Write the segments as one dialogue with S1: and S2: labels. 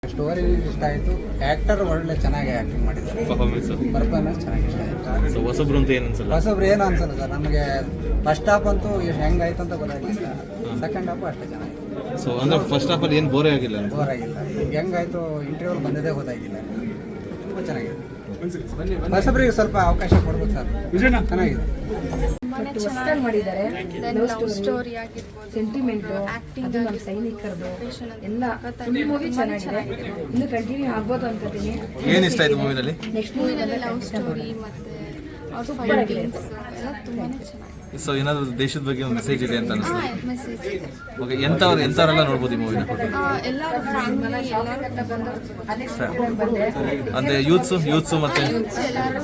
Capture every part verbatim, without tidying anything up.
S1: Story ಇಷ್ಟ ಆಯಿತು, actor ಒಳ್ಳೆ ಚೆನ್ನಾಗಿ ಆ್ಯಕ್ಟಿಂಗ್ ಮಾಡಿದ್ದಾರೆ,
S2: ಪರ್ಫಾರ್ಮೆನ್ಸ್
S1: ಪರ್ಫಾರ್ಮೆನ್ಸ್ ಚೆನ್ನಾಗಿ ಇಷ್ಟ ಆಯಿತು.
S2: ಸೊ ಹೊಸಬ್ರು ಅಂತ ಏನು ಅನ್ಸಲ್ಲ?
S1: ಹೊಸಬ್ರು ಏನು ಅನ್ಸಲ್ಲ ಸರ್, ನಮಗೆ ಫಸ್ಟ್ ಹಾಫ್ ಅಂತೂ ಎಷ್ಟು ಹೆಂಗಾಯ್ತು ಅಂತ ಗೊತ್ತಾಗಿಲ್ಲ, ಸೆಕೆಂಡ್ ಹಾಫು ಅಷ್ಟೇ ಚೆನ್ನಾಗಿತ್ತು.
S2: ಸೊ ಅಂದ್ರೆ ಫಸ್ಟ್ ಹಾಫಲ್ಲಿ ಏನು ಬೋರೇ ಆಗಿಲ್ಲ?
S1: ಬೋರ್ ಆಗಿಲ್ಲ, ಹೆಂಗಾಯ್ತು ಇಂಟರ್ವ್ಯೂಲ್ ಬಂದಿದೆ ಗೊತ್ತಾಗಿಲ್ಲ, ತುಂಬ ಚೆನ್ನಾಗಿದೆ. ಹೊಸಬ್ರಿಗೆ ಸ್ವಲ್ಪ ಅವಕಾಶ ಕೊಡ್ಬೇಕು ಸರ್, ಚೆನ್ನಾಗಿದೆ.
S3: ಹೊಸದಾಗಿ ಮಾಡಿದ್ದಾರೆ,
S4: ಲವ್ ಸ್ಟೋರಿ ಆಗಿರ್ಬೋದು,
S3: ಸೆಂಟಿಮೆಂಟು,
S4: ಆಕ್ಟಿಂಗ್
S3: ಅದು ನಮ್ಮ ಸೈನಿಕರದು ಎಲ್ಲ ಫುಲ್ ಮೂವಿ ಚೆನ್ನಾಗಿದೆ. ಇನ್ನು ಕಂಟಿನ್ಯೂ ಆಗ್ಬೋದು ಅನ್ಕೋತೀನಿ.
S2: ಏನು ಇಷ್ಟ ಆಯ್ತು ಮೂವಿನಲ್ಲಿ?
S3: ನೆಕ್ಸ್ಟ್
S4: ಮೂವಿನಲ್ಲಿ ಲವ್ ಸ್ಟೋರಿ ಮತ್ತೆ ಅವ್ರ ಫೈಟಿಂಗ್ಸ್ ಎಲ್ಲ ತುಂಬಾನೇ ಚೆನ್ನಾಗಿದೆ.
S2: ಸೊ ಏನಾದರೂ ದೇಶದ ಬಗ್ಗೆ ಒಂದು ಮೆಸೇಜ್ ಇದೆ ಅಂತ ಅನಿಸ್ತದೆ?
S4: ಹಾಂ, ಮೆಸೇಜ್ ಇದೆ.
S2: ಓಕೆ, ಎಂಥವ್ರು ಎಂಥವರೆಲ್ಲ ನೋಡ್ಬೋದು ಈ ಮೂವಿನ?
S4: ಆ, ಎಲ್ಲರೂ ಫ್ಯಾಮಿಲಿ ಎಲ್ಲರೂ
S3: ಬಂದು ಅನ್ಎಕ್ಸ್ಪೆಕ್ಟೆಡ್ ಬಂದ್ರೆ
S2: ಅಂದರೆ ಯೂತ್ಸು ಯೂತ್ಸು ಮತ್ತು
S4: ಎಲ್ಲರೂ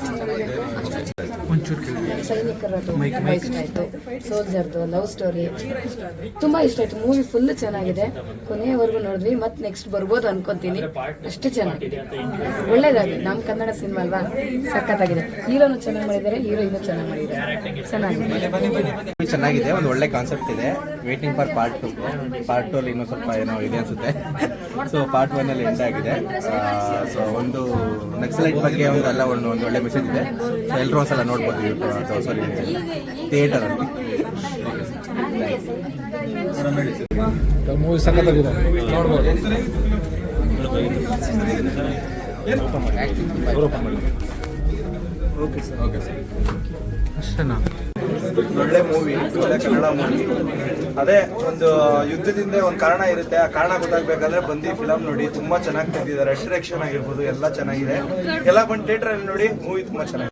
S3: ಸೈನಿಕರದು ತುಂಬ ಇಷ್ಟ ಆಯಿತು. ಸೋಲ್ಜರ್ದು ಲವ್ ಸ್ಟೋರಿ ತುಂಬ ಇಷ್ಟ ಆಯಿತು. ಮೂವಿ ಫುಲ್ ಚೆನ್ನಾಗಿದೆ, ಕೊನೆಯವರೆಗೂ ನೋಡಿದ್ವಿ. ಮತ್ತೆ ನೆಕ್ಸ್ಟ್ ಬರ್ಬೋದು ಅನ್ಕೊಂತೀನಿ, ಅಷ್ಟು ಚೆನ್ನಾಗಿದೆ, ಒಳ್ಳೇದಾಗಿದೆ. ನಮ್ಮ ಕನ್ನಡ ಸಿನಿಮಾ ಅಲ್ವಾ, ಸಖತ್ತಾಗಿದೆ. ಹೀರೋನು ಚೆನ್ನಾಗಿ ಮಾಡಿದ್ದಾರೆ, ಹೀರೋಯಿನು ಚೆನ್ನಾಗಿ ಮಾಡಿದ್ದಾರೆ, ಚೆನ್ನಾಗಿದೆ.
S1: ಚೆನ್ನಾಗಿದೆ, ಒಂದು ಒಳ್ಳೆ ಕಾನ್ಸೆಪ್ಟ್ ಇದೆ. Waiting for part two. Part two ಅಲ್ಲಿ ಇನ್ನೂ ಸ್ವಲ್ಪ ಏನೋ ಇದೆ ಅನ್ಸುತ್ತೆ. ಸೊ ಪಾರ್ಟ್ ಒನ್ ಅಲ್ಲಿ ಎಂಡ್ ಆಗಿದೆ. ಸೊ ಒಂದು ನಕ್ಸಲೈಟ್ ಬಗ್ಗೆ ಒಂದು ಎಲ್ಲ ಒಂದು ಒಂದು ಒಳ್ಳೆ ಮೆಸೇಜ್ ಇದೆ. ಸೊ ಎಲ್ಲರೂ ಒಂದ್ಸಲ ನೋಡ್ಬೋದು ಅಥವಾ ಸಾರಿ ಥಿಯೇಟರ್ ಅಲ್ಲಿ.
S5: ಮೂವಿ ಸಖತ್ತಾಗಿದೆ, ನೋಡ್ಬೋದು.
S1: ಓಕೆ ಸರ್, ಓಕೆ ಸರ್,
S5: ಅಷ್ಟೇನಾ?
S6: ಒಳ್ಳೆ ಮೂವಿ, ಒಳ್ಳೆ ಕನ್ನಡ ಮೂವಿ. ಅದೇ ಒಂದು ಯುದ್ಧದಿಂದ ಒಂದು ಕಾರಣ ಇರುತ್ತೆ, ಆ ಕಾರಣ ಗೊತ್ತಾಗಬೇಕಾದ್ರೆ ಬಂದು ಫಿಲಮ್ ನೋಡಿ. ತುಂಬಾ ಚೆನ್ನಾಗಿ ತೆಗೆದಿದ್ದಾರೆ, ಡೈರೆಕ್ಷನ್ ಆಗಿರ್ಬೋದು ಎಲ್ಲ ಚೆನ್ನಾಗಿದೆ. ಎಲ್ಲ ಬಂದು ಥಿಯೇಟರ್ ಅಲ್ಲಿ ನೋಡಿ, ಮೂವಿ ತುಂಬಾ ಚೆನ್ನಾಗಿದೆ.